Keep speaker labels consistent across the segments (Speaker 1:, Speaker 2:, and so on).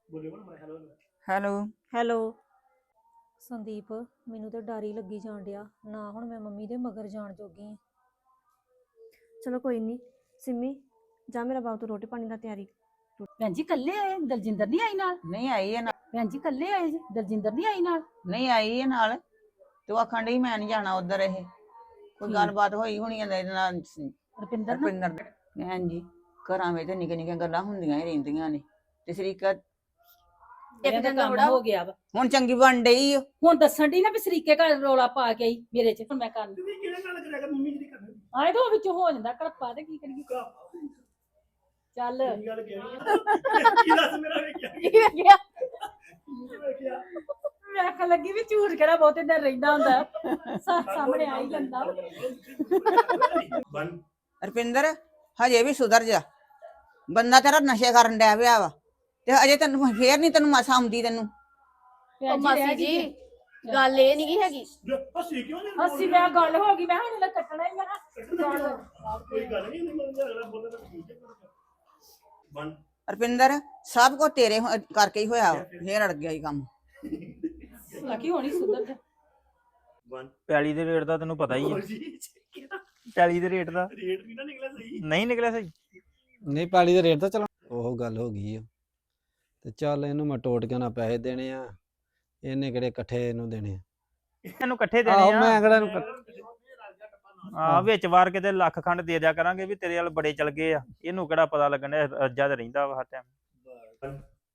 Speaker 1: Hello
Speaker 2: hello Sandeep, ਮੈਨੂੰ ਤਾਂ ਡਰ ਹੀ ਲੱਗੀ ਜਾਣ ਡਿਆ ਨਾ। ਹੁਣ ਮੈਂ ਮੰਮੀ ਦੇ ਮਗਰ ਜਾਣ ਜੋਗੀ ਆਂ।
Speaker 3: ਚਲੋ ਕੋਈ ਨਹੀਂ ਸਿੰਮੀ, ਜਾ ਮੇਰਾ ਬਾਪ ਤੋਂ ਰੋਟੀ ਪਾਣੀ ਦਾ ਤਿਆਰੀ।
Speaker 4: ਭੈਣ ਜੀ ਕੱਲੇ ਆਏ? ਦਲਜਿੰਦਰ ਨਹੀਂ ਆਈ ਨਾਲ?
Speaker 1: ਨਹੀਂ ਆਈ ਹੈ ਨਾਲ।
Speaker 4: ਭੈਣ ਜੀ ਕੱਲੇ ਆਏ ਜੀ? ਦਲਜਿੰਦਰ ਨਹੀਂ ਆਈ ਨਾਲ?
Speaker 1: ਨਹੀਂ ਆਈ ਹੈ ਨਾਲ। ਤੂੰ ਆਖਣ ਡਈ ਮੈਂ ਨਹੀਂ ਜਾਣਾ ਉਧਰ। ਇਹ ਕੋਈ ਗੱਲਬਾਤ ਹੋਈ ਹੋਣੀ ਇਹਦੇ ਨਾਲ
Speaker 4: ਰੁਪਿੰਦਰ ਨਾਲ?
Speaker 1: ਰੁਪਿੰਦਰ ਭੈਣ ਜੀ, ਘਰਾਂ ਵਿੱਚ ਨਿੱਕੀਆਂ ਨਿੱਕੀਆਂ ਗੱਲਾਂ ਹੁੰਦੀਆਂ ਹੀ ਰਹਿੰਦੀਆਂ ਨੇ ਤੇ ਸ਼ਰੀਕਾ
Speaker 4: ਇੱਕ ਦਿਨ ਦਾ ਬੜਾ ਹੋ ਗਿਆ ਵਾ।
Speaker 1: ਹੁਣ ਚੰਗੀ ਬਣ ਡਈ ਓ।
Speaker 4: ਹੁਣ ਦੱਸਣ ਦੀ ਨਾ ਵੀ ਸਰੀਕੇ ਘਰ ਰੌਲਾ ਪਾ ਕੇ ਆਈ ਮੇਰੇ ਚ। ਹੁਣ ਮੈਂ ਕਰਨ ਆਏ ਤਾਂ ਉਹ ਵਿੱਚੋਂ ਹੋ ਜਾਂਦਾ ਘੜਪਾ ਤੇ ਕੀ ਕਰੀਏ। ਚੱਲ ਮੈਂ ਆਖਣ ਲੱਗੀ ਵੀ ਝੂਠ ਕਿਹੜਾ ਬਹੁਤੇ ਦਿਨ ਰਹਿੰਦਾ ਹੁੰਦਾ, ਸਾਹਮਣੇ ਆ ਹੀ ਜਾਂਦਾ।
Speaker 1: ਰੁਪਿੰਦਰ ਹਜੇ ਵੀ ਸੁਧਰ ਜਾ। ਬੰਦਾ ਤੇਰਾ ਨਸ਼ੇ ਕਰਨ ਡਿਆ ਪਿਆ ਵਾ ਤੇ ਅਜੇ ਤੈਨੂੰ ਫੇਰ ਨਹੀਂ ਤੈਨੂੰ ਮਸਾ ਆਉਂਦੀ ਤੈਨੂੰ।
Speaker 3: ਮਾਸੀ ਜੀ ਗੱਲ ਇਹ ਨਹੀਂ ਹੈਗੀ।
Speaker 4: ਹੱਸੀ ਮੈਂ ਗੱਲ ਹੋ ਗਈ, ਮੈਂ ਹੁਣ ਕੱਟਣਾ ਹੀ ਆ।
Speaker 5: ਕੋਈ ਗੱਲ ਨਹੀਂ
Speaker 1: ਰੁਪਿੰਦਰ ਸਭ ਕੁਝ ਤੇਰੇ ਕਰਕੇ ਹੀ ਹੋਇਆ ਵਾ। ਫੇਰ ਅੜ ਗਿਆ ਹੀ ਕੰਮ।
Speaker 4: ਲੱਕੀ ਹੋਣੀ ਸੁਧਰ ਜਾ।
Speaker 6: ਪੈਲੀ ਦੇ ਰੇਟ ਦਾ ਤੈਨੂੰ ਪਤਾ ਹੀ ਹੈ। ਪੈਲੀ ਦੇ ਰੇਟ ਦਾ
Speaker 5: ਰੇਟ ਵੀ ਨਾ ਨਿਕਲਿਆ ਸਹੀ।
Speaker 6: ਨਹੀਂ ਨਿਕਲਿਆ ਸਹੀ।
Speaker 7: ਨਹੀਂ ਪੈਲੀ ਦੇ ਰੇਟ ਤਾਂ ਚਲੋ ਉਹ ਗੱਲ ਹੋ ਗਈ ਆ ਤੇ ਚੱਲ ਇਹਨੂੰ ਮੈਂ ਟੋਟ ਕੇ ਨਾ ਪੈਸੇ ਦੇਣੇ ਆ, ਇਹਨੇ ਕਿਹੜੇ ਇਕੱਠੇ ਇਹਨੂੰ ਦੇਣੇ ਆ।
Speaker 6: ਇਹਨੂੰ ਇਕੱਠੇ ਦੇਣੇ
Speaker 7: ਆਹੋ
Speaker 6: ਆ।
Speaker 7: ਮੈਂ ਕਿਹੜਾ
Speaker 6: ਵਿੱਚ ਵਾਰ ਕਿਤੇ ਲੱਖ ਖੰਡ ਦੇ ਦਿਆ ਕਰਾਂਗੇ ਵੀ ਤੇਰੇ ਵਾਲ ਬੜੇ ਚਲ ਗਏ ਆ। ਇਹਨੂੰ ਕਿਹੜਾ ਪਤਾ ਲੱਗਣ ਡਿਆ, ਰੱਜਾ ਤੇ ਰਹਿੰਦਾ ਵਾ ਹਰ ਟਾਈਮ।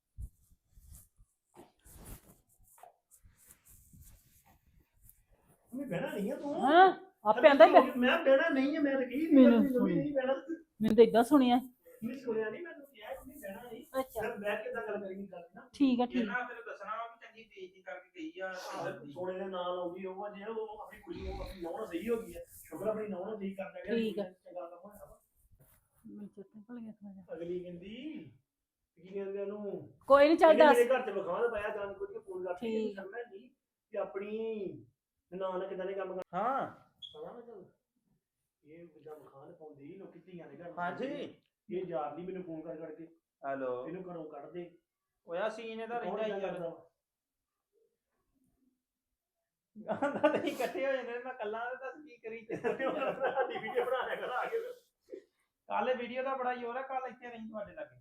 Speaker 5: ਮੈਂ ਬਹਿਣਾ ਨਹੀਂ ਆ ਤੂੰ।
Speaker 4: ਹਾਂ ਆਪੇ ਆਂਦਾ
Speaker 5: ਮੈਂ ਬਹਿਣਾ ਨਹੀਂ ਹੈ। ਮੈਂ ਤਾਂ ਕਹੀ
Speaker 4: ਮੈਨੂੰ
Speaker 5: ਨਹੀਂ ਬਹਿਣਾ।
Speaker 4: ਮੈਨੂੰ ਤਾਂ ਇਦਾਂ ਸੁਣਿਆ।
Speaker 5: ਨਹੀਂ ਸੁਣਿਆ ਨਹੀਂ, ਮੈਨੂੰ ਕਿਹਾ ਕਿ ਨਹੀਂ ਬਹਿਣਾ ਨਹੀਂ।
Speaker 4: ਅੱਛਾ
Speaker 5: ਫਿਰ ਬਹਿ ਕੇ ਤਾਂ ਗੱਲ ਕਰੀ ਗੱਲ ਨਾ।
Speaker 4: ਠੀਕ ਆ ਠੀਕ।
Speaker 6: ਫਿਰ ਦੱਸਣਾ ਵਾ ਕਿ ਚੰਗੀ ਬੇਇੱਜ਼ਤੀ ਕਰਕੇ ਗਈ ਆ।
Speaker 5: ਸੋਨੇ ਦੇ ਨਾਲ ਆਉਗੀ ਉਹ ਜੇ ਉਹ ਆਪਣੀ ਕੁੜੀ ਨੂੰ ਆਪਣੀ ਨੌਂ ਸਹੀ ਹੋ ਗਈ ਹੈ। ਸ਼ੁਕਰ ਆਪਣੀ ਨੌਂ ਨੂੰ ਠੀਕ ਕਰ ਲਿਆ।
Speaker 4: ਠੀਕ ਆ।
Speaker 5: ਚੰਗਾ ਕੰਮ ਹੋਇਆ ਵਾ।
Speaker 4: ਮੈਨੂੰ ਚੇਤੇ ਭੁੱਲ ਗਿਆ ਥੋੜਾ ਜਿਹਾ।
Speaker 5: ਅਗਲੀ ਕਹਿੰਦੀ ਕੀ ਕਹਿੰਦੇ ਉਹਨੂੰ,
Speaker 4: ਕੋਈ ਨਹੀਂ ਚੱਲ ਦੱਸ।
Speaker 5: ਮੇਰੇ ਘਰ ਚ ਵਿਖਾਵਾ ਤਾਂ ਪਾਇਆ ਜਾਣ ਕੁਝ ਫੋਨ ਕਰਕੇ
Speaker 4: ਠੀਕ।
Speaker 5: ਕਰਨਾ ਨਹੀਂ ਕਿ ਆਪਣੀ ਨਾਲ ਕਿਦਾਂ ਦੇ ਕੰਮ ਕਰਨਾ।
Speaker 6: ਹਾਂ
Speaker 5: ਪਤਾ ਨਾ ਚੱਲ ਇਹ ਜਿੱਦਾਂ ਵਿਖਾਣ ਪਾਉਂਦੀ ਲੋਕੀ ਧੀਆਂ ਦੇ ਘਰ।
Speaker 6: ਹਾਂਜੀ
Speaker 5: ਇਹ ਯਾਰ ਨਹੀਂ ਮੈਨੂੰ ਫੋਨ ਕਰ ਕਰਕੇ
Speaker 6: ਹੈਲੋ
Speaker 5: ਇਹਨੂੰ ਘਰੋਂ ਕੱਢ ਦੇ।
Speaker 6: ਓਇਆ ਸੀਨ ਇਹਦਾ ਰਹਿੰਦਾ ਹੀ ਯਾਰ।
Speaker 5: ਵਾ।
Speaker 6: ਆਂਦਾ ਤੇ ਇਕੱਠੇ ਹੋ ਜਾਂਦੇ ਨੇ। ਮੈਂ ਕੱਲਾ ਤੇ ਦੱਸ ਕੀ ਕਰੀ।
Speaker 5: ਸਾਡੀ ਵੀਡੀਓ ਬਣਾ ਲਿਆ ਕਰ ਆ ਕੇ।
Speaker 6: ਕੱਲ ਵੀਡੀਓ ਦਾ ਬੜਾ ਜ਼ੋਰ ਹੈ। ਕੱਲ ਇੱਥੇ ਨਹੀਂ ਤੁਹਾਡੇ ਲਾਗੇ।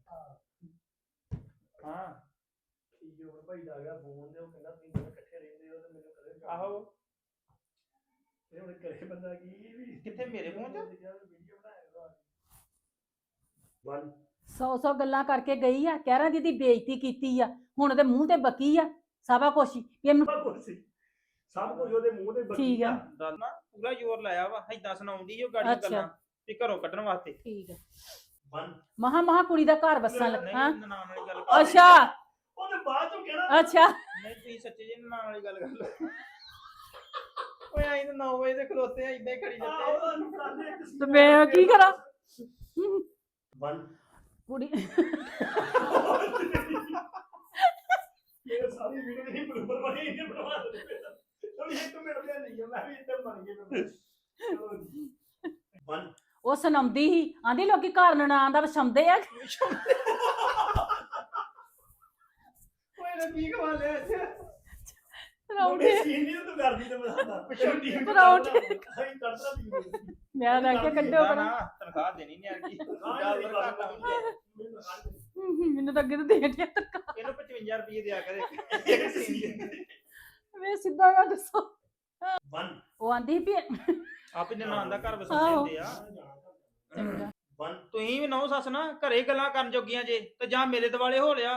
Speaker 6: ਹਾਂ
Speaker 5: ਜੋਰ ਭਾਈ ਦਾ ਆ ਗਿਆ ਫੋਨ ਤੇ ਉਹ ਕਹਿੰਦਾ ਤੁਸੀਂ ਦੋਵੇਂ ਇਕੱਠੇ ਰਹਿੰਦੇ ਹੋ ਤੇ ਮੈਨੂੰ ਕਦੇ
Speaker 6: ਆਹੋ
Speaker 5: ਇਹ ਹੁਣ ਕਰੇ ਬੰਦਾ ਕੀ ਵੀ
Speaker 6: ਕਿੱਥੇ ਮੇਰੇ ਫੋਨ ਚ
Speaker 5: ਵੀਡੀਓ ਬਣਾਇਆ ਕਰ।
Speaker 4: 100 ਗੱਲਾਂ ਕਰਕੇ ਗਈ ਆ। ਕਹਿ ਰਾਂ ਦੀ ਬੇਇੱਜ਼ਤੀ ਕੀਤੀ ਆ। ਹੁਣ ਉਹਦੇ ਮੂੰਹ ਤੇ ਬਕੀ ਆ ਸਾਬਾ ਕੁਛ ਹੀ। ਇਹਨੂੰ
Speaker 5: ਸਭ ਕੁਝ ਉਹਦੇ ਮੂੰਹ ਤੇ ਬੱਕੀ
Speaker 4: ਠੀਕ ਆ।
Speaker 6: ਦੱਸ ਨਾ ਪੂਰਾ ਜ਼ੋਰ ਲਾਇਆ ਵਾ। ਏਦਾਂ ਸੁਣਾਉਂਦੀ ਉਹ ਗਾੜੀ ਗੱਲਾਂ ਤੇ ਘਰੋਂ ਕੱਢਣ ਵਾਸਤੇ।
Speaker 4: ਠੀਕ ਆ।
Speaker 5: 1
Speaker 4: ਮਹਾ ਕੁੜੀ ਦਾ ਘਰ ਵਸਣ
Speaker 6: ਨਹੀਂ
Speaker 4: ਲੱਗਾ।
Speaker 6: ਨਨਾਣ ਵਾਲੀ ਗੱਲ ਕਰ।
Speaker 4: ਅੱਛਾ
Speaker 5: ਉਹਨੇ ਬਾਅਦ ਚੋਂ ਕਹਿਣਾ
Speaker 4: ਅੱਛਾ
Speaker 6: ਨਹੀਂ ਤੁਸੀਂ ਸੱਚੇ ਜੀ ਨਨਾਣ ਵਾਲੀ ਗੱਲ ਕਰ ਲਓ। ਓਏ ਆਈ ਤਾਂ 9 ਵਜੇ ਦੇ ਖਲੋਤੇ ਆ ਇਦਾਂ ਹੀ ਖੜੀ ਜਾਂਦੇ।
Speaker 4: ਤੇ ਮੈਂ ਕੀ ਕਰਾਂ?
Speaker 5: 1
Speaker 4: ਕੁੜੀ
Speaker 5: ਇਹ ਸਾਰੀ ਵੀਡੀਓ ਨਹੀਂ ਬਰੂਬਰ ਬਣੀ ਇਹ ਬਣਵਾ ਦੇ। ਚਲੋ ਇੱਕ ਮਿੰਟ ਦੇ ਨਹੀਂ ਮੈਂ ਵੀ ਇੱਧਰ ਬਣ ਗਿਆ। 1
Speaker 4: ਉਹ ਸੁਣਾਉਂਦੀ ਸੀ। ਆਂਦੀ ਲੋਕੀ ਘਰ ਨਨਾਣ ਦਾ ਵਸਾਉਂਦੇ ਆ।
Speaker 5: ਓਏ ਨਾ ਕੀ ਖਵਾ ਲਿਆ ਇੱਥੇ।
Speaker 4: ਪਰੌਂਠੇ
Speaker 5: ਸੀਨ ਨਹੀਂ ਤੂੰ ਕਰਦੀ ਤੇ ਮੈਂ ਦੱਸਦਾ ਪਿੱਛੋਂ ਟੀਮ
Speaker 4: ਪਰੌਂਠੇ।
Speaker 5: ਅਸੀਂ ਕਰਦਾ ਵੀ
Speaker 4: ਮੈਂ ਲੈ ਕੇ ਕੱਢੋ
Speaker 6: ਨਾ
Speaker 4: ਕਰਾਂ।
Speaker 6: ਨਾ ਤਨਖਾਹ ਦੇਣੀ ਨਹੀਂ ਆਗੀ।
Speaker 4: ਮੈਨੂੰ ਤਾਂ ਅੱਗੇ ਤੋਂ ਦੇ ਦਿਆ ਤੱਕ।
Speaker 6: ਇਹਨੂੰ 55 ਰੁਪਏ ਦਿਆ ਕਰੇ ਇੱਕ ਸੀਨ ਦੇ।
Speaker 4: ਵੇ ਸਿੱਧਾ ਆ ਦੱਸੋ।
Speaker 5: 1
Speaker 4: ਉਹ ਆਂਦੀ ਵੀ
Speaker 6: ਆਪੇ ਨਨਾਣ ਦਾ ਘਰ ਵਸਾਉਂਦੇ ਹੁੰਦੇ ਆ।
Speaker 4: ਚੰਗਾ
Speaker 5: 1
Speaker 6: ਤੁਸੀਂ ਵੀ ਨੌ ਸੱਸ ਨਾ ਘਰੇ ਗੱਲਾਂ ਕਰਨ ਜੋਗੀਆਂ ਜੇ ਤੇ ਜਾਂ ਮੇਰੇ ਦਿਵਾਲੇ ਹੋ ਲਿਆ।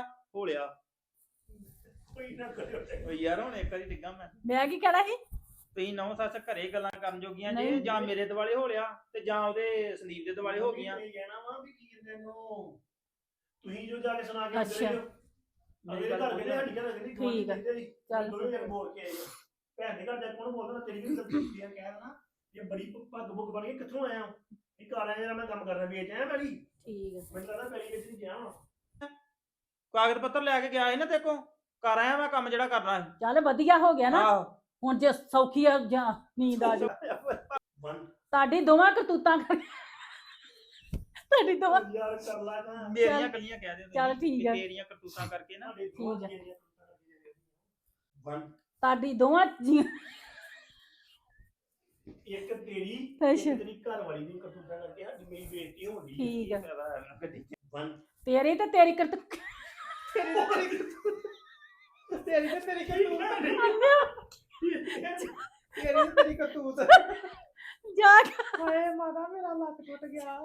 Speaker 5: ਕੋਈ ਨਾ ਕਰਿਓ।
Speaker 6: ਓ ਯਾਰ ਹੁਣ ਇੱਕ ਵਾਰੀ ਡਿੱਗਾ
Speaker 4: ਮੈਂ ਕੀ ਕਹਿਣਾ ਸੀ?
Speaker 6: ਤੁਸੀਂ ਨੌ ਸੱਸ ਘਰੇ ਗੱਲਾਂ ਕਰਨ ਜੋਗੀਆਂ ਜੇ
Speaker 4: ਨਹੀਂ।
Speaker 6: ਜਾਂ ਮੇਰੇ ਦਿਵਾਲੇ ਹੋ ਲਿਆ ਤੇ ਜਾਂ ਉਹਦੇ ਸੰਦੀਪ ਦੇ ਦਿਵਾਲੇ ਹੋ ਗਈਆਂ।
Speaker 5: ਇਹ ਕਹਿਣਾ ਵਾ ਵੀ ਕੀ ਕਹਿੰਦੇ ਨੂੰ ਤੁਸੀਂ ਜੋ ਜਾ ਕੇ ਸੁਣਾ ਕੇ
Speaker 4: ਅੱਛਾ।
Speaker 5: ਅਗਲੇ ਘਰ ਕਹਿੰਦੇ ਸਾਡੀ ਘਰ ਕਹਿੰਦੀ
Speaker 4: ਠੀਕ ਆ। ਚੱਲ।
Speaker 5: ਦੋਵੇਂ ਜਣ ਬੋਲ ਕੇ ਆਏ ਆ। ਭੈਣ ਦੇ ਘਰ ਜਾ ਕੇ ਕੌਣ ਬੋਲਦਾ ਤੇਰੀ ਵੀ ਗਲਤੀ ਹੈ। ਕਹਿ ਦੇਣਾ ਇਹ ਬੜੀ ਭੱਗ ਭੁੱਗ ਬਣ ਗਈ ਕਿੱਥੋਂ ਆਇਆ ਇਹ ਘਰ ਆਇਆ ਜਿਹੜਾ ਮੈਂ ਕੰਮ ਕਰਨਾ ਵੇਚ ਆਇਆ ਪਹਿਲੀ।
Speaker 4: ਠੀਕ ਆ।
Speaker 5: ਮੈਨੂੰ ਲੱਗਦਾ ਪਹਿਲੀ ਵਿੱਚ ਨਹੀਂ ਗਿਆ ਹੁਣ।
Speaker 6: ਕਾਗਜ਼ ਪੱਤਰ ਲੈ ਕੇ ਗਿਆ ਸੀ ਨਾ ਦੇਖੋ ਕਰ ਆਇਆ ਮੈਂ ਕੰਮ ਜਿਹੜਾ ਕਰਨਾ ਸੀ।
Speaker 4: ਚੱਲ ਵਧੀਆ ਹੋ ਗਿਆ ਨਾ।
Speaker 6: ਆਹੋ
Speaker 4: ਹੁਣ ਜੇ ਸੌਖੀ ਆ ਜਾਂ ਨੀਂਦ ਆ ਜਾ।
Speaker 5: 1
Speaker 4: ਤੁਹਾਡੀ ਦੋਵਾਂ ਕਰਤੂਤਾਂ ਕਰਕੇ ਤੁਹਾਡੀ ਦੋਵਾਂ
Speaker 5: ਯਾਰ ਕਰ ਲਾ ਨਾ
Speaker 6: ਮੇਰੀਆਂ ਕੱਲੀਆਂ ਕਹਿ ਦਿਓ
Speaker 4: ਚੱਲ
Speaker 6: ਤੁਸੀਂ
Speaker 4: ਠੀਕ ਆ।
Speaker 6: ਵੀ ਤੇਰੀਆਂ ਕਰਤੂਤਾਂ ਕਰਕੇ ਨਾ
Speaker 5: ਵਨ
Speaker 4: ਤੁਹਾਡੀ ਦੋਵਾਂ ਜੀਆਂ
Speaker 5: ਇੱਕ ਤੇਰੀ
Speaker 4: ਅੱਛਾ।
Speaker 5: ਇੱਕ ਤੇਰੀ ਘਰ ਵਾਲੀ ਦੀ ਕਰਤੂਤਾਂ ਕਰਕੇ ਸਾਡੀ ਮੇਰੀ ਬੇਇੱਜ਼ਤੀ ਹੋਣੀ
Speaker 4: ਠੀਕ ਆ।
Speaker 6: ਫਾਇਦਾ ਹੈ ਨਾ ਗੱਡੀ 'ਚ।
Speaker 5: ਵਨ
Speaker 4: ਤੇਰੀ ਤੇ ਤੇਰੀ ਕਰਤ
Speaker 6: ਤੇਰੀ ਤੇ ਤੇਰੀ ਕਰਤੂਤ ਤੇਰੀ ਤੇ ਤੇਰੀ ਕਰਤੂਤ
Speaker 4: ਜਾ
Speaker 6: ਹਾਏ ਮਾਤਾ ਮੇਰਾ ਲੱਕ ਟੁੱਟ ਗਿਆ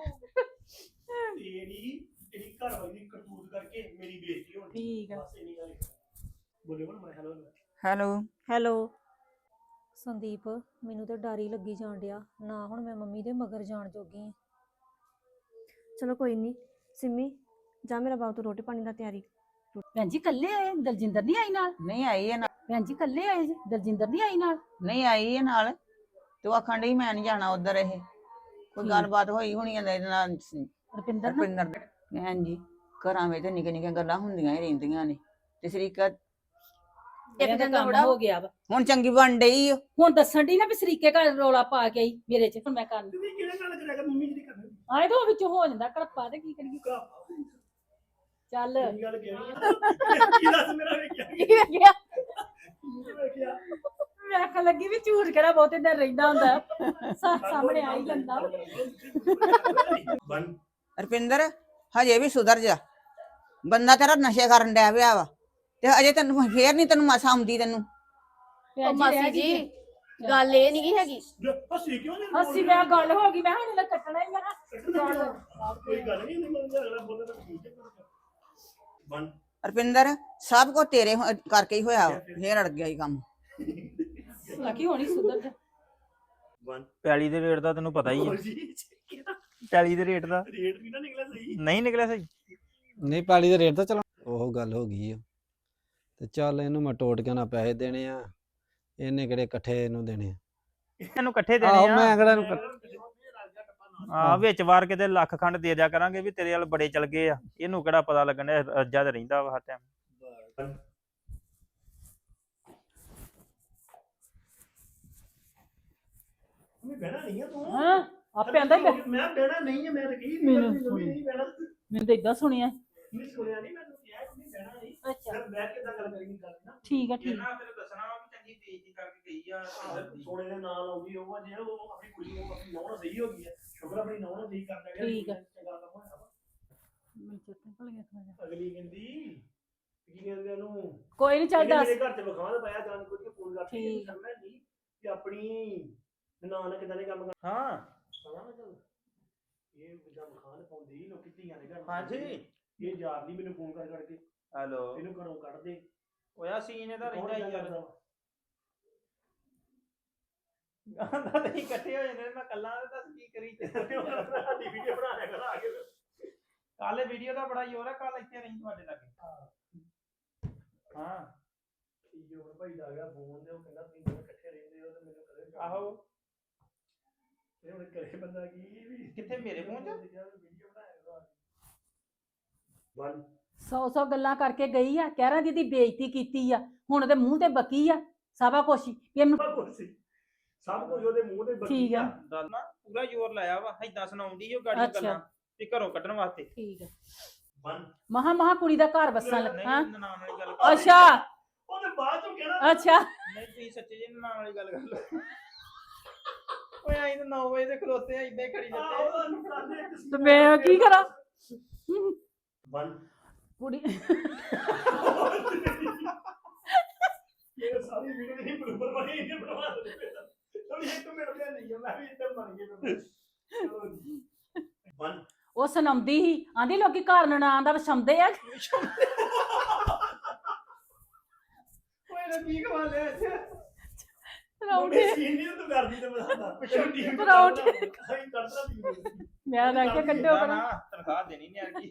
Speaker 5: ਤੇਰੀ ਘਰ ਵਾਲੀ ਦੀ ਕਰਤੂਤ ਕਰਕੇ ਮੇਰੀ ਬੇਇੱਜ਼ਤੀ ਹੋਣੀ
Speaker 4: ਠੀਕ ਆ।
Speaker 5: ਬਸ ਇੰਨੀ ਗੱਲ ਬੋਲੇ ਬਣ ਮੈਂ ਹੈਲੋ
Speaker 1: ਹੈਲੋ
Speaker 3: ਹੈਲੋ
Speaker 2: ਸੰਦੀਪ ਮੈਨੂੰ ਤਾਂ ਡਰ ਹੀ ਲੱਗੀ ਜਾਣ ਡਿਆ ਨਾ ਹੁਣ ਮੈਂ ਮੰਮੀ ਦੇ ਮਗਰ ਜਾਣ ਜੋਗੀ ਆਂ।
Speaker 3: ਚਲੋ ਕੋਈ ਨਹੀਂ ਸਿੰਮੀ ਜਾ ਮੇਰਾ ਬਾਬੂ ਤੋਂ ਰੋਟੀ ਪਾਣੀ ਦਾ ਤਿਆਰੀ
Speaker 4: ਭੈਣ ਜੀ ਕੱਲੇ ਆਏ ਦਲਜਿੰਦਰ ਨਹੀਂ ਆਈ ਨਾਲ
Speaker 1: ਨਹੀਂ ਆਈ ਹੈ ਨਾਲ
Speaker 4: ਭੈਣ ਜੀ ਕੱਲੇ ਆਏ ਜੀ ਦਲਜਿੰਦਰ ਨਹੀਂ ਆਈ ਨਾਲ
Speaker 1: ਨਹੀਂ ਆਈ ਹੈ ਨਾਲ ਤੇ ਉਹ ਆਖਣ ਡਈ ਮੈਂ ਨਹੀਂ ਜਾਣਾ ਉਧਰ ਇਹ ਕੋਈ
Speaker 4: ਠੀਕ।
Speaker 1: ਗੱਲਬਾਤ ਹੋਈ ਹੋਣੀ ਹੈ ਇਹਦੇ ਨਾਲ
Speaker 4: ਰੁਪਿੰਦਰ ਨਾਲ
Speaker 1: ਰੁਪਿੰਦਰ ਦੇ। ਭੈਣ ਜੀ ਘਰਾਂ ਵਿੱਚ ਨਿੱਕੀਆਂ ਨਿੱਕੀਆਂ ਗੱਲਾਂ ਹੁੰਦੀਆਂ ਹੀ ਰਹਿੰਦੀਆਂ ਨੇ ਤੇ ਸਰੀਕਾ
Speaker 4: ਇੱਕ ਦਿਨ ਦਾ ਹੋ ਗਿਆ ਵਾ
Speaker 1: ਹੁਣ ਚੰਗੀ ਬਣ ਡਈ ਓ।
Speaker 4: ਹੁਣ ਦੱਸਣ ਦੀ ਨਾ ਵੀ ਸਰੀਕੇ ਘਰ ਰੋਲਾ ਪਾ ਕੇ ਆਈ ਮੇਰੇ ਚ ਹੁਣ ਮੈਂ ਕਰ
Speaker 5: ਤੁਸੀਂ ਕਿਹੜੇ ਨਾਲ ਕਰਿਆ ਕਰ ਮੰਮੀ ਜਿਹੜੀ ਕਰਨੀ
Speaker 4: ਆਏ ਤਾਂ ਉਹ ਵਿੱਚੋਂ ਹੋ ਜਾਂਦਾ ਕੜਪਾ ਤੇ ਕੀ ਕਰੀਏ ਚੱਲ
Speaker 5: ਕੀ ਗੱਲ ਕਹਿਣੀ ਕੀ ਦੱਸ ਮੇਰਾ ਵੇਖਿਆ
Speaker 4: ਕੀ ਵੇਖਿਆ
Speaker 5: ਵੇਖਿਆ
Speaker 4: ਮੈਂ ਆਖਣ ਲੱਗੀ ਵੀ ਝੂਠ ਕਿਹੜਾ ਬਹੁਤੇ ਦਿਨ ਰਹਿੰਦਾ ਹੁੰਦਾ ਸਾਹਮਣੇ ਆ ਹੀ ਜਾਂਦਾ
Speaker 5: ਵਨ
Speaker 1: ਰੁਪਿੰਦਰ ਹਜੇ ਵੀ ਸੁਧਰ ਜਾ ਬੰਦਾ ਤੇਰਾ ਨਸ਼ੇ ਕਰਨ ਡਿਆ ਪਿਆ ਵਾ ਤੇ ਅਜੇ ਤੈਨੂੰ ਫੇਰ ਨਹੀਂ ਤੈਨੂੰ ਮਸਾ ਆਉਂਦੀ ਤੈਨੂੰ
Speaker 4: ਭੈਣ ਜੀ
Speaker 3: ਮਾਸੀ
Speaker 4: ਰਹਿ
Speaker 3: ਜੀ
Speaker 4: ਗਈ
Speaker 3: ਗੱਲ ਇਹ ਨਹੀਂ ਹੈਗੀ
Speaker 5: ਹੱਸੀ ਕਿਉਂ ਨਹੀਂ
Speaker 4: ਹੱਸੀ ਮੈਂ ਗੱਲ ਹੋ ਗਈ ਮੈਂ ਹੁਣ ਇਹਦਾ ਕੱਟਣਾ ਹੀ ਮੈਂ
Speaker 5: ਕੋਈ ਗੱਲ ਨਹੀਂ ਨਹੀਂ ਮੰਨਦਾ ਅਗਲਾ ਬੋਲਦਾ ਤਾਂ ਠੀਕ ਹੈ ਵਨ
Speaker 1: ਰੁਪਿੰਦਰ ਸਭ ਕੁਝ ਤੇਰੇ ਕਰਕੇ ਹੀ ਹੋਇਆ ਵਾ। ਫੇਰ ਅੜ ਗਿਆ ਹੀ ਕੰਮ
Speaker 4: ਲੱਕੀ ਹੋਣੀ ਸੁਧਰ ਜਾ
Speaker 5: ਵਨ
Speaker 6: ਪੈਲੀ ਦੇ ਰੇਟ ਦਾ ਤੈਨੂੰ ਪਤਾ ਹੀ ਹੈ ਪੈਲੀ ਦੇ ਰੇਟ ਦਾ
Speaker 5: ਰੇਟ ਵੀ ਨਾ ਨਿਕਲਿਆ ਸਹੀ
Speaker 6: ਨਹੀਂ ਨਿਕਲਿਆ ਸਹੀ
Speaker 7: ਨਹੀਂ ਪੈਲੀ ਦੇ ਰੇਟ ਤਾਂ ਚਲਾ ਉਹ ਗੱਲ ਹੋ ਗਈ ਆ ਤੇ ਚੱਲ ਇਹਨੂੰ ਮੈਂ ਟੋਟ ਕੇ ਨਾ ਪੈਸੇ ਦੇਣੇ ਆ ਇਹਨੇ ਕਿਹੜੇ ਇਕੱਠੇ ਇਹਨੂੰ ਦੇਣੇ ਆ
Speaker 6: ਇਹਨੂੰ ਇਕੱਠੇ
Speaker 7: ਆਹੋ
Speaker 6: ਦੇਣੇ
Speaker 7: ਮੈਂ
Speaker 6: ਆ
Speaker 7: ਕਿਹੜਾ ਇਹਨੂੰ
Speaker 6: ਆ ਵਿੱਚ ਵਾਰ ਕਿਤੇ ਲੱਖ ਖੰਡ ਦੇ ਦਿਆ ਕਰਾਂਗੇ ਵੀ ਤੇਰੇ ਵਾਲ ਬੜੇ ਚਲ ਗਏ ਆ ਇਹਨੂੰ ਕਿਹੜਾ ਪਤਾ ਲੱਗਣਾ ਰੱਜਾ ਤੇ ਰਹਿੰਦਾ ਵਾ ਹਰ ਟਾਈਮ
Speaker 5: ਮੈਂ ਬਹਿਣਾ ਨਹੀਂ ਆ ਤੂੰ
Speaker 4: ਹਾਂ ਆਪੇ ਆਂਦਾ ਹੀ
Speaker 5: ਮੈਂ ਬਹਿਣਾ ਨਹੀਂ ਹੈ ਮੈਂ ਤਾਂ ਕਹੀ
Speaker 4: ਮੈਨੂੰ
Speaker 5: ਨਹੀਂ ਬਹਿਣਾ
Speaker 4: ਮੈਨੂੰ ਤਾਂ ਇਦਾਂ ਸੁਣਿਆ
Speaker 5: ਨਹੀਂ ਸੁਣਿਆ ਨਹੀਂ ਮੈਂ ਤੈਨੂੰ ਕਿਹਾ ਕਿ ਨਹੀਂ ਬਹਿਣਾ ਨਹੀਂ
Speaker 4: ਅੱਛਾ
Speaker 5: ਫਿਰ ਬੈਠ ਕੇ ਤਾਂ ਗੱਲ ਕਰੀ ਗੱਲ ਨਾ
Speaker 4: ਠੀਕ ਆ ਠੀਕ
Speaker 6: ਤੈਨੂੰ ਦੱਸਣਾ ਵਾ ਵੀ ਚੰਗੀ ਬੇਇੱਜ਼ਤੀ ਕਰਕੇ ਗਈ ਆ
Speaker 5: ਸੋਨੇ ਦੇ ਨਾਲ ਆਉਂਦੀ ਉਹ ਜੇ ਉਹ ਆਪਣੀ ਕੁੜੀ ਨੂੰ ਆਪਣੀ ਨੌਂ ਸਹੀ ਹੋ ਗਈ ਹੈ ਸ਼ੁਕਰ ਆਪਣੀ ਨੌਂ ਨੂੰ ਸਹੀ ਕਰ ਲਿਆ
Speaker 4: ਠੀਕ ਆ।
Speaker 5: ਚੰਗਾ ਕੰਮ ਹੋਇਆ ਵਾ
Speaker 4: ਮੈਨੂੰ ਚੇਤੇ ਭੁੱਲ ਗਿਆ ਥੋੜ੍ਹਾ ਜਿਹਾ।
Speaker 5: ਅਗਲੀ ਕਹਿੰਦੀ ਕੀ ਕਹਿੰਦੇ ਉਹਨੂੰ
Speaker 4: ਕੋਈ ਨਹੀਂ ਚੱਲ
Speaker 5: ਇਹਨੇ
Speaker 4: ਦੱਸ
Speaker 5: ਮੇਰੇ ਘਰ ਚ ਵਿਖਾਵਾ ਤਾਂ ਪਾਇਆ ਜਾਣ ਕੁਝ ਫੋਨ ਕਰਕੇ
Speaker 4: ਠੀਕ।
Speaker 5: ਕਰਨਾ ਨਹੀਂ ਕਿ ਆਪਣੀ ਨਨਾਣ ਕਿਦਾਂ ਦੇ ਕੰਮ ਕਰਨਾ
Speaker 6: ਹਾਂ
Speaker 5: ਪਤਾ ਨਾ ਚੱਲ ਇਹ ਜਿੱਦਾਂ ਮਖਾਨ ਪਾਉਂਦੀ ਲੋਕੀ ਧੀਆਂ ਦੇ ਘਰ
Speaker 6: ਹਾਂਜੀ
Speaker 5: ਇਹ ਯਾਰ ਨਹੀਂ ਮੈਨੂੰ ਫੋਨ ਕਰ ਕਰਕੇ
Speaker 6: ਹੈਲੋ
Speaker 5: ਇਹਨੂੰ ਘਰੋਂ ਕੱਢ ਦੇ
Speaker 6: ਹੋਇਆ ਸੀਨ ਇਹਦਾ ਰਹਿੰਦਾ ਹੀ ਯਾਰ
Speaker 5: ਕਰਦਾ ਵਾ?
Speaker 6: ਆਂਦਾ ਤੇ ਇਕੱਠੇ ਹੋ ਜਾਂਦੇ ਨੇ ਮੈਂ ਕੱਲਾ ਤੇ ਦੱਸ ਕੀ ਕਰੀ
Speaker 5: ਸਾਡੀ ਵੀਡੀਓ ਬਣਾ ਲਿਆ ਕਰ ਆ ਕੇ
Speaker 6: ਕੱਲ ਵੀਡੀਓ ਦਾ ਬੜਾ ਜ਼ੋਰ ਆ ਕੱਲ ਇੱਥੇ ਰਹੀ ਤੁਹਾਡੇ ਲਾਗੇ ਹਾਂ
Speaker 5: ਠੀਕ ਹੈ ਭਾਈ ਦਾ ਗਿਆ ਫੋਨ ਤੇ ਉਹ ਕਹਿੰਦਾ ਤੁਸੀਂ ਦੋਵੇਂ ਇਕੱਠੇ ਰਹਿੰਦੇ ਹੋ ਤੇ ਮੈਨੂੰ ਕਦੇ
Speaker 6: ਆਹੋ
Speaker 5: ਇਹ ਹੁਣ ਕਰੇ ਬੰਦਾ ਕੀ ਵੀ
Speaker 6: ਕਿੱਥੇ ਮੇਰੇ ਫੋਨ 'ਚ?
Speaker 5: ਵੀਡੀਓ ਬਣਾਇਆ ਵਨ
Speaker 4: 100 ਗੱਲਾਂ ਕਰਕੇ ਗਈ ਆ ਕਹਿ ਰਾਂ ਦੀ ਬੇਇੱਜ਼ਤੀ ਕੀਤੀ ਆ ਹੁਣ ਉਹਦੇ ਮੂੰਹ ਤੇ ਬਕੀ ਆ ਸਾਬਾ ਕੋਸ਼ੀ ਵੀ ਇਹਨੂੰ
Speaker 5: ਸਭ ਕੁਝ ਸੀ ਸਭ ਕੁਝ ਉਹਦੇ ਮੂੰਹ ਤੇ ਬੱਕੀ
Speaker 4: ਠੀਕ ਆ।
Speaker 6: ਦੱਸ ਨਾ ਪੂਰਾ ਜ਼ੋਰ ਲਾਇਆ ਵਾ ਏਦਾਂ ਸੁਣਾਉਂਦੀ ਉਹ ਗਾੜੀ
Speaker 4: ਅੱਛਾ।
Speaker 6: ਗੱਲਾਂ ਤੇ ਘਰੋਂ ਕੱਢਣ ਵਾਸਤੇ
Speaker 4: ਠੀਕ ਆ
Speaker 5: ਵਨ
Speaker 4: ਮਹਾ ਕੁੜੀ ਦਾ ਘਰ ਵਸਣ ਲੱਗ
Speaker 6: ਨਹੀਂ
Speaker 4: ਹਾਂ
Speaker 6: ਨਨਾਣ ਵਾਲੀ ਗੱਲ ਕਰ
Speaker 4: ਅੱਛਾ
Speaker 5: ਉਹਨੇ ਬਾਅਦ ਚੋਂ ਕਹਿਣਾ
Speaker 4: ਅੱਛਾ
Speaker 6: ਨਹੀਂ ਤੁਸੀਂ ਸੱਚੇ ਜੀ ਨਨਾਣ ਵਾਲੀ ਗੱਲ ਕਰ ਲਓ ਓਏ ਆਈ ਤਾਂ 9 ਵਜੇ ਦੇ ਖਲੋਤੇ ਆ ਇਦਾਂ ਹੀ ਖੜੀ ਜਾਂਦੇ
Speaker 4: ਤੇ ਮੈਂ ਕੀ ਕਰਾਂ
Speaker 5: ਵਨ
Speaker 4: ਕੁੜੀ
Speaker 5: ਇਹ ਸਾਰੀ ਵੀਡੀਓ ਨਹੀਂ ਬਰੋਬਰ ਬਣੀ ਇਹਨੇ ਬਣਵਾ ਦਿੱਤੀ ਤੂੰ ਇੱਕ ਮਿੰਟ ਵੀ ਨਹੀਂ ਮੈਂ ਵੀ ਇੱਧਰ ਬਣ ਗਿਆ ਚਲੋ ਜੀ ਵਨ
Speaker 4: ਉਹ ਸੁਣਾਉਂਦੀ ਸੀ ਆਂਦੀ ਲੋਕੀ ਘਰ ਨਨਾਣ ਦਾ ਵਸਾਉਂਦੇ ਆ
Speaker 6: ਓਏ ਨਾ ਕੀ ਖਵਾ ਲਿਆ ਇੱਥੇ
Speaker 4: ਪਰੌਂਠੇ
Speaker 5: ਸੀਨ ਨਹੀਂ ਤੂੰ ਕਰਦੀ ਤੇ ਬਸਾਦਾ ਟੀਮ
Speaker 4: ਪਰੌਂਠੇ।
Speaker 5: ਅਸੀਂ ਕਰਦਾ ਟੀਮ
Speaker 4: ਮੈਂ ਤਾਂ ਕਿ ਕੱਢੋ
Speaker 6: ਨਾ,
Speaker 4: ਪਰ
Speaker 6: ਨਾ ਤਨਖਾਹ ਦੇਣੀ ਨਹੀਂ ਆਗੀ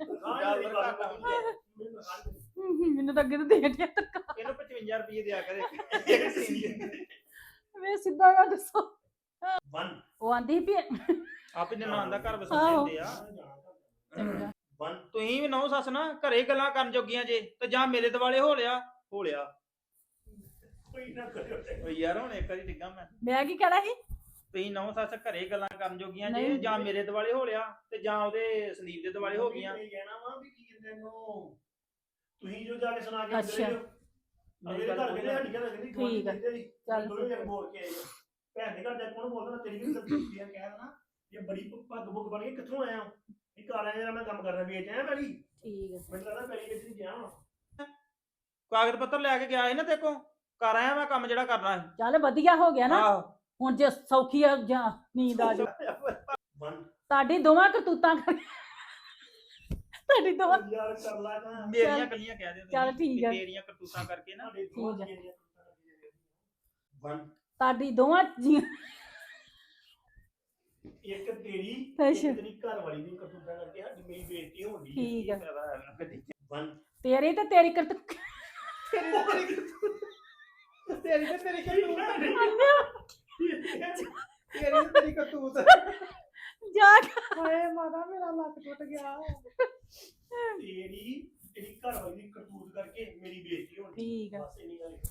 Speaker 4: ਮੈਨੂੰ ਤਾਂ ਅੱਗੇ ਤੋਂ ਦੇ ਦਿਆ ਤੱਕ
Speaker 6: ਇਹਨੂੰ 55 ਰੁਪਏ ਦਿਆ ਕਰੇ ਇੱਕ ਸੀਨ ਦੇ
Speaker 4: ਵੇ ਸਿੱਧਾ ਗੱਲ ਦੱਸੋ
Speaker 5: ਵਨ
Speaker 4: ਉਹ ਆਂਦੀ ਵੀ
Speaker 6: ਆਪੇ ਨਨਾਣ ਦਾ ਘਰ
Speaker 4: ਆਹੋ।
Speaker 6: ਵਸਾਉਂਦੇ ਹੁੰਦੇ ਆ
Speaker 5: ਵਨ
Speaker 6: ਤੁਸੀਂ ਵੀ ਨੌ ਸੱਸ ਨਾ ਘਰੇ ਗੱਲਾਂ ਕਰਨ ਜੋਗੀਆਂ ਜੇ ਤੇ ਜਾਂ ਮੇਰੇ ਦਿਵਾਲੇ ਹੋ ਲਿਆ
Speaker 5: ਕੋਈ ਨਾ ਕਰਿਓ
Speaker 6: ਓਏ ਯਾਰ ਹੁਣ ਇੱਕ ਵਾਰੀ ਡਿੱਗਾ ਮੈਂ
Speaker 4: ਮੈਂ ਕੀ ਕਹਿਣਾ ਸੀ
Speaker 6: ਤੁਸੀਂ ਨੌ ਸੱਸ ਘਰੇ ਗੱਲਾਂ ਕਰਨ ਜੋਗੀਆਂ ਜੇ
Speaker 4: ਨਹੀਂ।
Speaker 6: ਜਾਂ ਮੇਰੇ ਦਿਵਾਲੇ ਹੋ ਲਿਆ ਤੇ ਜਾਂ ਉਹਦੇ ਸੰਦੀਪ ਦੇ ਦਿਵਾਲੇ ਹੋ ਗਈਆਂ।
Speaker 5: ਇਹ ਕਹਿਣਾ ਵਾ ਵੀ ਕੀ ਕਹਿੰਦੇ ਨੂੰ ਤੁਸੀਂ ਜੋ ਜਾ ਕੇ ਸੁਣਾ ਕੇ
Speaker 4: ਅੱਛਾ।
Speaker 5: ਅਗਲੇ ਘਰ ਕਹਿੰਦੇ ਸਾਡੀ ਘਰ ਕਹਿੰਦੀ
Speaker 4: ਠੀਕ ਆ। ਚੱਲ
Speaker 5: ਦੋਵੇਂ ਜਣ ਬੋਲ ਕੇ ਆਏ ਆ। ਭੈਣ ਦੇ ਘਰ ਜਾ ਕੇ ਕੌਣ ਬੋਲਦਾ ਨਾ ਤੇਰੀ ਵੀ ਗਲਤੀ ਹੈ ਕਹਿ ਦੇਣਾ ਇਹ ਬੜੀ ਪੱਗ ਬੁੱਗ ਬਣ ਕੇ ਕਿੱਥੋਂ ਆਇਆ ਇਹ ਘਰ ਆਇਆ ਜਿਹੜਾ ਮੈਂ ਕੰਮ ਕਰਨਾ ਵੇਚ ਆਇਆ ਪੈਲੀ
Speaker 4: ਠੀਕ ਆ।
Speaker 5: ਮੈਨੂੰ ਲੱਗਦਾ ਪੈਲੀ ਵੇਚ ਨਹੀਂ ਗਿਆ ਹੁਣ
Speaker 6: ਕਾਗਜ਼ ਪੱਤਰ ਲੈ ਕੇ ਗਿਆ ਸੀ ਨਾ ਦੇਖੋ ਕਰ ਆਇਆ ਮੈਂ ਕੰਮ ਜਿਹੜਾ ਕਰਨਾ ਸੀ।
Speaker 4: ਚੱਲ ਵਧੀਆ ਹੋ ਗਿਆ ਨਾ
Speaker 6: ਆਹੋ
Speaker 4: ਹੁਣ ਜੇ ਸੌਖੀ ਆ ਜਾਂ ਨੀਂਦ ਆ ਜਾ
Speaker 5: ਬੰਦ
Speaker 4: ਤੁਹਾਡੀ ਦੋਵਾਂ ਕਰਤੂਤਾਂ ਤੁਹਾਡੀ ਦੋਵਾਂ
Speaker 5: ਯਾਰ ਕਰ ਲਾ ਨਾ
Speaker 6: ਮੇਰੀਆਂ ਗੱਲੀਆਂ ਕਹਿ ਦਿਓ
Speaker 4: ਚੱਲ ਠੀਕ ਆ।
Speaker 6: ਤੇਰੀਆਂ ਕਰਤੂਤਾਂ ਕਰਕੇ ਨਾ
Speaker 5: ਤੁਹਾਡੇ
Speaker 4: ਠੀਕ ਆ।
Speaker 5: ਬੰਦ
Speaker 4: ਤੁਹਾਡੀ ਦੋਵਾਂ
Speaker 5: ਇੱਕ ਤੇਰੀ
Speaker 4: ਅੱਛਾ।
Speaker 5: ਇੱਕ ਤੇਰੀ ਘਰ ਵਾਲੀ ਦੀ ਕਰਤੂਤਾਂ ਕਰਕੇ ਸਾਡੀ ਮੇਰੀ ਬੇਇੱਜ਼ਤੀ ਹੋਣੀ
Speaker 4: ਠੀਕ ਆ।
Speaker 5: ਬੰਦ
Speaker 4: ਤੇਰੀ ਤੇ ਤੇਰੀ ਕਰਤੂਤ
Speaker 6: ਤੇਰੀ ਤੇ ਤੇਰੀ ਕਰਤੂਤ ਤੇਰੀ ਕਰਤੂਤ
Speaker 4: ਜਾ
Speaker 6: ਹਾਏ ਮਾਤਾ ਮੇਰਾ ਲੱਕ ਟੁੱਟ ਗਿਆ।
Speaker 5: ਤੇਰੀ ਘਰ ਵਾਲੀ ਦੀ ਕਰਤੂਤ ਕਰਕੇ ਮੇਰੀ ਬੇਇੱਜ਼ਤੀ ਹੋਣੀ
Speaker 4: ਠੀਕ ਆ।
Speaker 5: ਬਸ ਇੰਨੀ ਗੱਲ